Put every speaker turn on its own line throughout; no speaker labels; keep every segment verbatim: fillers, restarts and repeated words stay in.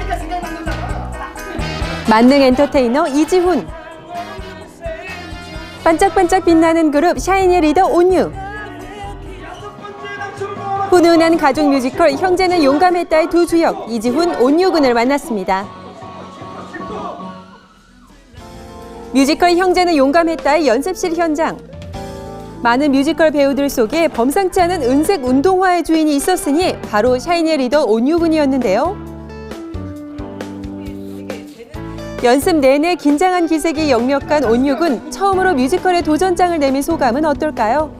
만능 엔터테이너 이지훈, 반짝반짝 빛나는 그룹 샤이니의 리더 온유, 훈훈한 가족 뮤지컬 형제는 용감했다의 두 주역 이지훈, 온유군을 만났습니다. 뮤지컬 형제는 용감했다의 연습실 현장. 많은 뮤지컬 배우들 속에 범상치 않은 은색 운동화의 주인이 있었으니 바로 샤이니의 리더 온유군이었는데요. 연습 내내 긴장한 기색이 역력한 온유군, 처음으로 뮤지컬에 도전장을 내민 소감은 어떨까요?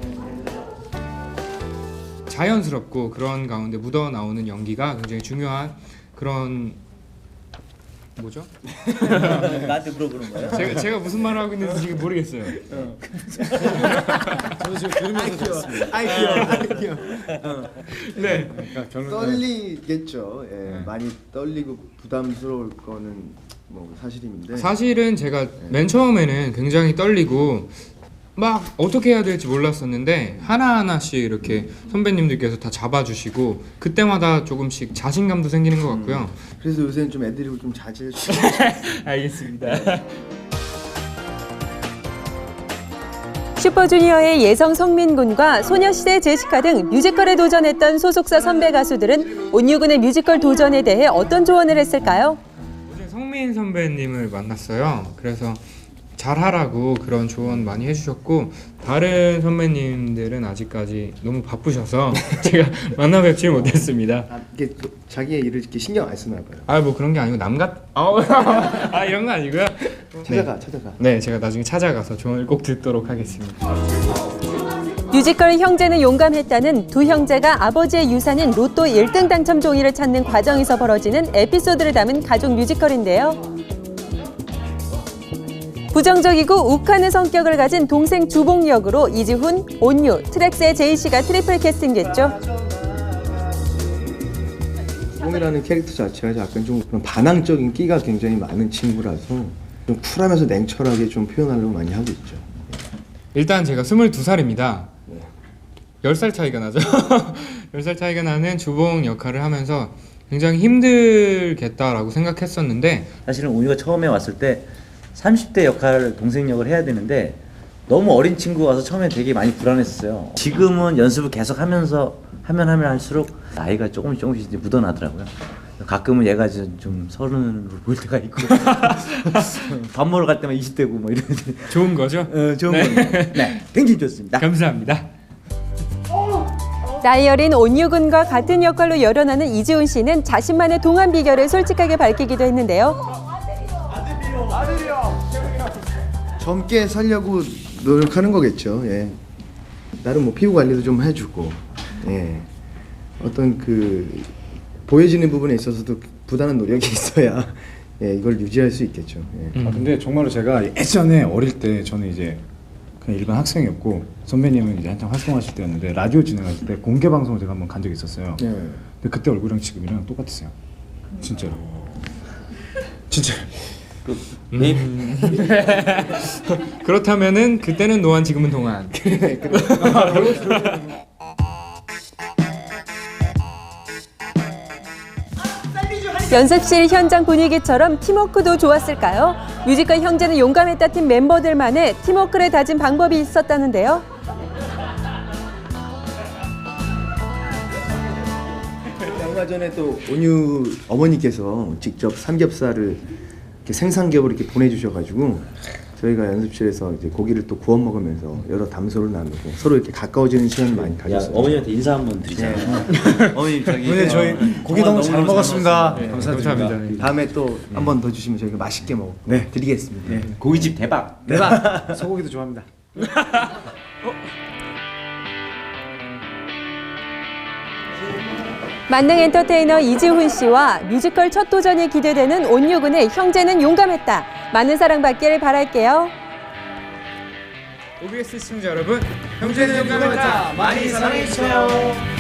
자연스럽고 그런 가운데 묻어나오는 연기가 굉장히 중요한 그런 뭐죠?
나한테 물어보는 거예요?
제가, 제가 무슨 말을 하고 있는지 지금 모르겠어요.
어. 저도 지금 들으면서 들었습니다.
아이 귀여워, 아이 귀여워.
어.
네.
그러니까 결론은
떨리겠죠. 예,
네.
많이 떨리고 부담스러울 거는 뭐 사실인데.
사실은 제가 맨 처음에는 굉장히 떨리고 막 어떻게 해야 될지 몰랐었는데 하나하나씩 이렇게 선배님들께서 다 잡아주시고 그때마다 조금씩 자신감도 생기는 것 같고요.
음, 그래서 요새는 좀 애드립을 좀 자제해 주세요.
알겠습니다.
슈퍼주니어의 예성 성민군과 소녀시대 제시카 등 뮤지컬에 도전했던 소속사 선배 가수들은 온유군의 뮤지컬 도전에 대해 어떤 조언을 했을까요?
어제 성민 선배님을 만났어요. 그래서 잘하라고 그런 조언 많이 해주셨고 다른 선배님들은 아직까지 너무 바쁘셔서 제가 만나 뵙지 못했습니다.
아, 이게 또 자기의 일을 이렇게 신경 안 쓰나 봐요.
아 뭐 그런 게 아니고 남같 아 이런 거 아니고요.
찾아가,
네.
찾아가.
네, 제가 나중에 찾아가서 조언을 꼭 듣도록 하겠습니다.
뮤지컬 형제는 용감했다는 두 형제가 아버지의 유산인 로또 일 등 당첨 종이를 찾는 과정에서 벌어지는 에피소드를 담은 가족 뮤지컬인데요. 부정적이고 욱하는 성격을 가진 동생 주봉 역으로 이지훈, 온유, 트랙스의 제이씨가 트리플 캐스팅됐죠.
주봉이라는 캐릭터 자체가 약간 좀 그런 반항적인 끼가 굉장히 많은 친구라서 좀 쿨하면서 냉철하게 좀 표현하려고 많이 하고 있죠.
일단 제가 스물두 살입니다.
네.
열 살 차이가 나죠. 열 살 차이가 나는 주봉 역할을 하면서 굉장히 힘들겠다라고 생각했었는데
사실은 온유가 처음에 왔을 때 삼십 대 역할, 동생 역을 해야 되는데 너무 어린 친구가 와서 처음에 되게 많이 불안했어요. 지금은 연습을 계속 하면서 하면 하면 할수록 나이가 조금씩 조금씩 이제 묻어나더라고요. 가끔은 얘가 좀, 좀 서른으로 보일 때가 있고 밥 먹으러 갈 때만 이십 대고 뭐 이런.
좋은 거죠?
어, 좋은 네. 거죠. 네, 굉장히 좋습니다.
감사합니다.
나이 어린 온유군과 같은 역할로 열연하는 이지훈 씨는 자신만의 동안 비결을 솔직하게 밝히기도 했는데요.
젊게 살려고 노력하는 거겠죠. 예. 나름 뭐 피부 관리도 좀 해주고, 예. 어떤 그 보여지는 부분에 있어서도 부단한 노력이 있어야 예, 이걸 유지할 수 있겠죠. 예.
아, 근데 정말로 제가 예전에 어릴 때 저는 이제 그냥 일반 학생이었고 선배님은 이제 한창 활동하실 때였는데 라디오 진행하실 때 공개 방송을 제가 한번 간 적이 있었어요.
예.
근데 그때 얼굴이랑 지금이랑 똑같았어요. 진짜로. 진짜.
음. 그렇다면은 그때는 노안 지금은 동안.
연습실 현장 분위기처럼 팀워크도 좋았을까요? 뮤지컬 형제는 용감했다 팀 멤버들만의 팀워크를 다진 방법이 있었다는데요.
얼마 전에 또 온유 어머니께서 직접 삼겹살을 이렇게 생삼겹을 이렇게 보내주셔가지고 저희가 연습실에서 이제 고기를 또 구워 먹으면서 여러 담소를 나누고 서로 이렇게 가까워지는 시간을 많이 가졌어요.
어머니한테 인사 한번 드리잖아요. 어머니 저기.
오늘 저희 고기 너무 잘 먹었습니다.
네,
감사드립니다.
감사합니다.
다음에 또 한 번 더 주시면 저희가 맛있게 먹고
네.
드리겠습니다.
네.
고깃집 대박.
대박. 소고기도 좋아합니다.
만능 엔터테이너 이지훈 씨와 뮤지컬 첫 도전이 기대되는 온유군의 형제는 용감했다. 많은 사랑받기를 바랄게요.
오비에스 시청자 여러분, 형제는 용감했다. 많이 사랑해주세요.